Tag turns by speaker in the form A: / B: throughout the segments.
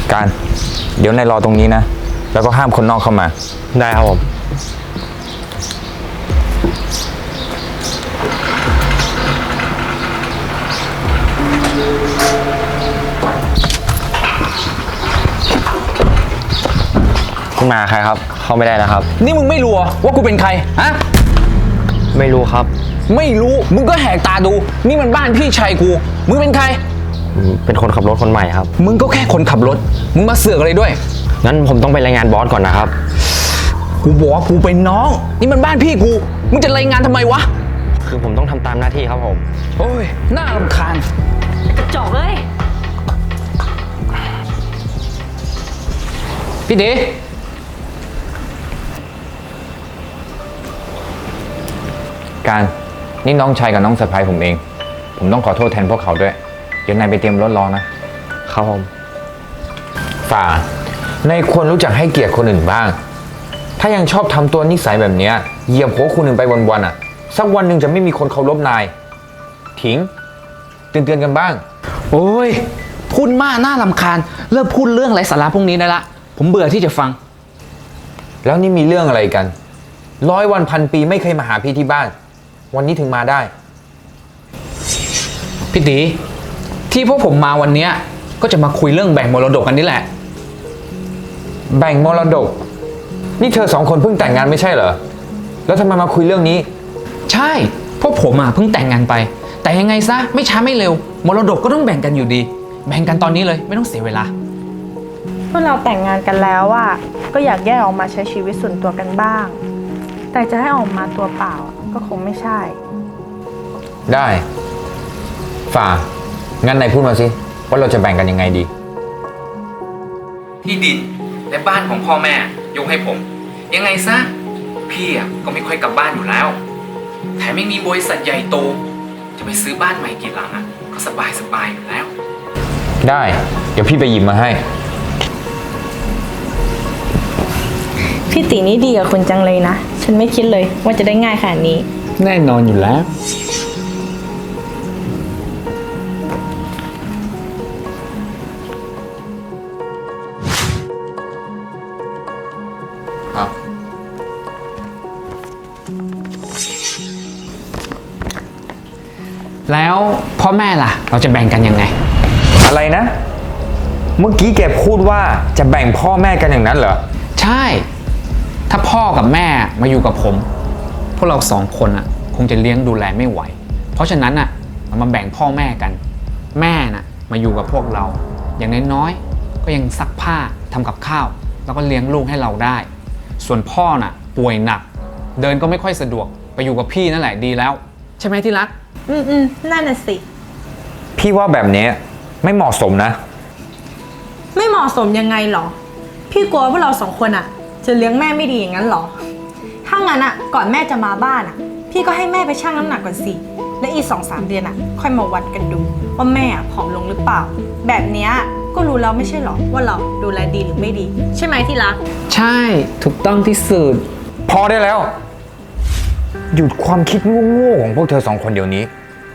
A: การเดี๋ยวนายรอตรงนี้นะแล้วก็ห้ามคนนอกเข้ามา
B: ได้ครับผมคุณมาใครครับเข้าไม่ได้นะครับ
C: นี่มึงไม่รู้ว่ากูเป็นใครฮะ
B: ไม่รู้ครับ
C: ไม่รู้มึงก็แหกตาดูนี่มันบ้านพี่ชายกูมึงเป็นใคร
B: เป็นคนขับรถคนใหม่ครับ
C: มึงก็แค่คนขับรถมึงมาเสือกอะไรด้วย
B: งั้นผมต้องไปรายงานบอสก่อนนะครับ
C: กูบอกว่ากูเป็นน้องนี่มันบ้านพี่กูมึงจะรายงานทำไมวะ
B: คือผมต้องทำตามหน้าที่ครับผม
C: โอ้ยน่ารำคาญ
D: กระจอกเลย
C: พี่เด๋
A: การนี่น้องชายกับน้องสะใภ้ผมเองผมต้องขอโทษแทนพวกเขาด้วยเดี๋ยวนายไปเตรียมรถรอนะครับ
B: ผม
A: ฝ่านายควรรู้จักให้เกียรติคนอื่นบ้างถ้ายังชอบทำตัวนิสัยแบบนี้เหยียบหัวคนอื่นไปวันๆอ่ะสักวันหนึ่งจะไม่มีคนเคารพนายทิ้งเตือนกันบ้าง
C: โอ้ยพูดมากน่ารำคาญเลิกพูดเรื่องไร้สาระพวกนี้ได้ละผมเบื่อที่จะฟัง
A: แล้วนี่มีเรื่องอะไรกัน100 วันพันปีไม่เคยมาหาพี่ที่บ้านวันนี้ถึงมาได้
C: พี่ตีที่พวกผมมาวันนี้ก็จะมาคุยเรื่องแบ่งมรดกกันนี่แหละ
A: แบ่งมรดกนี่เธอ2 คนเพิ่งแต่งงานไม่ใช่เหรอแล้วทำไมมาคุยเรื่องนี้
C: ใช่พวกผมเพิ่งแต่งงานไปแต่ยังไงซะไม่ช้าไม่เร็วมรดกก็ต้องแบ่งกันอยู่ดีแบ่งกันตอนนี้เลยไม่ต้องเสียเวลา
D: พวกเราแต่งงานกันแล้วก็อยากแยกออกมาใช้ชีวิตส่วนตัวกันบ้างแต่จะให้ออกมาตัวเปล่าก็คงไม่ใช่
A: ได้ฝ่างั้นนายพูดมาสิว่าเราจะแบ่งกันยังไงดี
C: ที่ดินและบ้านของพ่อแม่ยกให้ผมยังไงซะพี่ก็ไม่ค่อยกลับบ้านอยู่แล้วแถมไม่มีบริษัทใหญ่โตจะไปซื้อบ้านใหม่กี่หลังก็สบายอยู่แล้ว
A: ได้เดี๋ยวพี่ไปหยิบมาให้
D: พี่ตีนี่ดีกับคุณจังเลยนะฉันไม่คิดเลยว่าจะได้ง่ายขนาดนี้
C: แน่นอนอยู่แล้วแล้วพ่อแม่ล่ะเราจะแบ่งกันยังไง
A: อะไรนะเมื่อกี้แกพูดว่าจะแบ่งพ่อแม่กันอย่างนั้นเหรอ
C: ใช่ถ้าพ่อกับแม่มาอยู่กับผมพวกเรา2 คนคงจะเลี้ยงดูแลไม่ไหวเพราะฉะนั้นเรามาแบ่งพ่อแม่กันแม่มาอยู่กับพวกเราอย่างน้อยๆก็ยังซักผ้าทำกับข้าวแล้วก็เลี้ยงลูกให้เราได้ส่วนพ่อป่วยหนักเดินก็ไม่ค่อยสะดวกไปอยู่กับพี่นั่นแหละดีแล้วใช่ไหมที่รัก
D: นั่นน่ะสิ
A: พี่ว่าแบบนี้ไม่เหมาะสมนะ
D: ไม่เหมาะสมยังไงหรอพี่กลัวพวกเรา2 คนจะเลี้ยงแม่ไม่ดีอย่างนั้นหรอถ้างั้นก่อนแม่จะมาบ้านพี่ก็ให้แม่ไปชั่งน้ำหนักก่อนสิและอีก 2-3 เดือนค่อยมาวัดกันดูว่าแม่ผอมลงหรือเปล่าแบบนี้ก็รู้แล้วไม่ใช่หรอว่าเราดูแลดีหรือไม่ดีใช่ไหมที่รัก
C: ใช่ถูกต้องที่สุด
A: พอได้แล้วหยุดความคิดโง่ๆของพวกเธอ2 คนเดี๋ยวนี้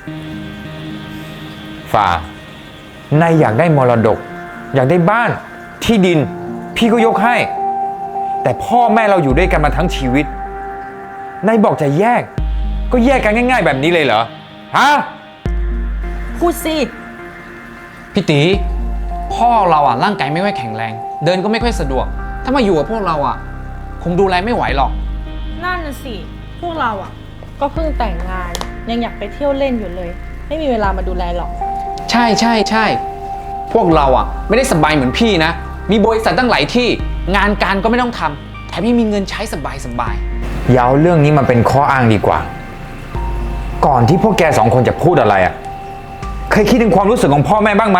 A: ฝ่านายอยากได้มรดกอยากได้บ้านที่ดินพี่ก็ยกให้แต่พ่อแม่เราอยู่ด้วยกันมาทั้งชีวิตนายบอกจะแยกก็แยกกันง่ายๆแบบนี้เลยเหรอฮะ
D: พูดสิ
C: พี่ตีพ่อเราร่างกายไม่ค่อยแข็งแรงเดินก็ไม่ค่อยสะดวกถ้ามาอยู่กับพวกเราคงดูแลไม่ไหวหรอก
D: นั่นน่ะสิพวกเราก็เพิ่งแต่งงานยังอยากไปเที่ยวเล่นอยู่เลยไม่มีเวลามาดูแลหรอก
C: ใช่พวกเราไม่ได้สบายเหมือนพี่นะมีบริษัทตั้งหลายที่งานการก็ไม่ต้องทำแถมยังมีเงินใช้สบาย
A: อย่าเอาเรื่องนี้มาเป็นข้ออ้างดีกว่าก่อนที่พวกแก2 คนจะพูดอะไรเคยคิดถึงความรู้สึกของพ่อแม่บ้างไหม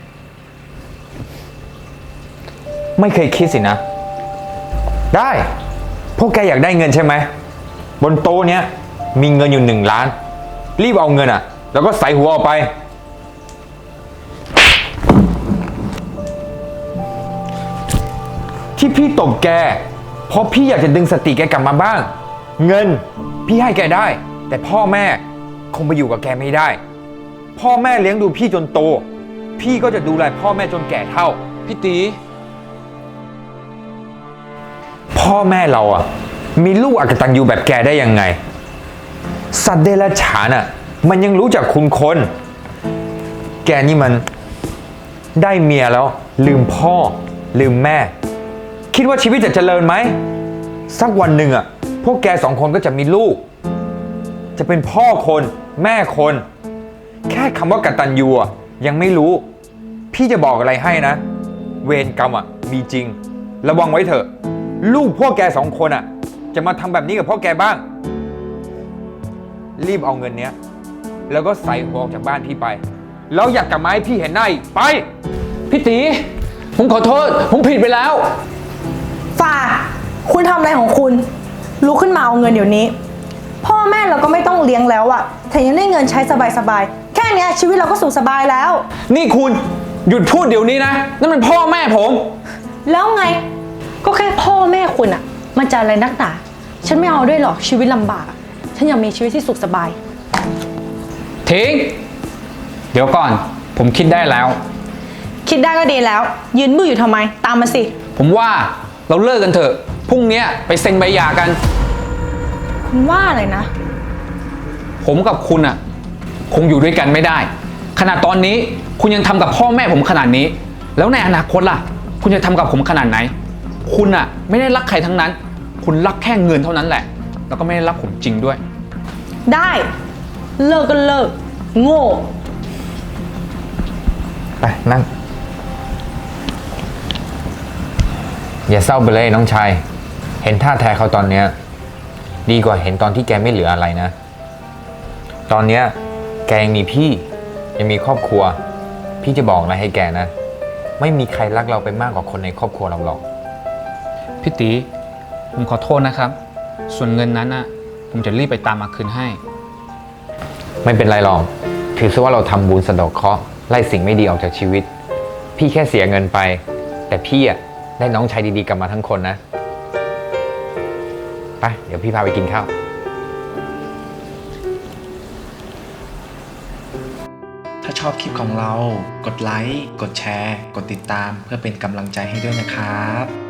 A: ไม่เคยคิดสินะได้พวกแกอยากได้เงินใช่ไหมบนโต๊ะเนี้ยมีเงินอยู่1 ล้านรีบเอาเงินแล้วก็ใส่หัวออกไปที่พี่ตบแกเพราะพี่อยากจะดึงสติแกกลับมาบ้างเงินพี่ให้แกได้แต่พ่อแม่คงไปอยู่กับแกไม่ได้พ่อแม่เลี้ยงดูพี่จนโตพี่ก็จะดูแลพ่อแม่จนแก่เฒ่า
C: พี่ตี
A: พ่อแม่เราอ่ะ มีลูกอกตัญญูแบบแกได้ยังไง สัตว์เดรัจฉานอ่ะ มันยังรู้จักคุณคน แกนี่มันได้เมียแล้ว ลืมพ่อ ลืมแม่ คิดว่าชีวิตจะเจริญไหม สักวันหนึ่งอ่ะ พวกแก2 คนก็จะมีลูก จะเป็นพ่อคนแม่คน แค่คำว่ากตัญญูอ่ะยังไม่รู้ พี่จะบอกอะไรให้นะ เวรกรรมอ่ะมีจริง ระวังไว้เถอะ ลูกพวกแก2 คนอ่ะ จะมาทำแบบนี้กับพ่อแกบ้าง รีบเอาเงินเนี้ย แล้วก็ใส่หัวออกจากบ้านพี่ไป แล้วอยากกลับมาให้พี่เห็นหน้าอีกไป
C: พี่ตี ผมขอโทษ ผมผิดไปแล้ว
D: ฝ่า คุณทำอะไรของคุณลุกขึ้นมาเอาเงินเดี๋ยวนี้ พ่อแม่เราก็ไม่ต้องเลี้ยงแล้วอะแถมยังได้เงินใช้สบายๆ แค่เนี้ยชีวิตเราก็สุขสบายแล้ว
C: นี่คุณหยุดพูดเดี๋ยวนี้นะ นั่นมันพ่อแม่ผม
D: แล้วไง ก็แค่พ่อแม่คุณอะมันจะอะไรนักหนา ฉันไม่เอาด้วยหรอกชีวิตลำบากอะฉันอยากมีชีวิตที่สุขสบาย
C: ทิ้ง เดี๋ยวก่อน ผมคิดได้แล้ว
D: คิดได้ก็ดีแล้ว ยืนมืออยู่ทำไม ตามมาสิ
C: ผมว่าเราเลิกกันเถอะ พรุ่งนี้ไปเซ็นใบหย่ากัน
D: คุณว่าอะไรนะ
C: ผมกับคุณอ่ะ คงอยู่ด้วยกันไม่ได้ ขนาดตอนนี้คุณยังทำกับพ่อแม่ผมขนาดนี้ แล้วในอนาคตล่ะ คุณจะทำกับผมขนาดไหน คุณอ่ะ ไม่ได้รักใครทั้งนั้น คุณรักแค่เงินเท่านั้นแหละ แล้วก็ไม่ได้รักผมจริงด้วย
D: ได้ เลิกก็เลิก โง่
A: ไปนั่ง อย่าเศร้าไปเลยน้องชาย เห็นท่าแท้เขาตอนเนี้ยดีกว่าเห็นตอนที่แกไม่เหลืออะไรนะ ตอนเนี้ยแกยังมีพี่ ยังมีครอบครัว พี่จะบอกอะไรให้แกนะ ไม่มีใครรักเราไปมากกว่าคนในครอบครัวเราหรอก
C: พี่ตี ผมขอโทษนะครับ ส่วนเงินนั้นอ่ะ ผมจะรีบไปตามมาคืนให้
A: ไม่เป็นไรหรอกถือซะว่าเราทำบุญสะเดาะเคราะห์ไล่สิ่งไม่ดีออกจากชีวิต พี่แค่เสียเงินไป แต่พี่อ่ะได้น้องชายดีๆกลับมาทั้งคนนะไปเดี๋ยวพี่พาไปกินข้าว
E: ถ้าชอบคลิปของเรา กดไลค์ กดแชร์ กดติดตามเพื่อเป็นกำลังใจให้ด้วยนะครับ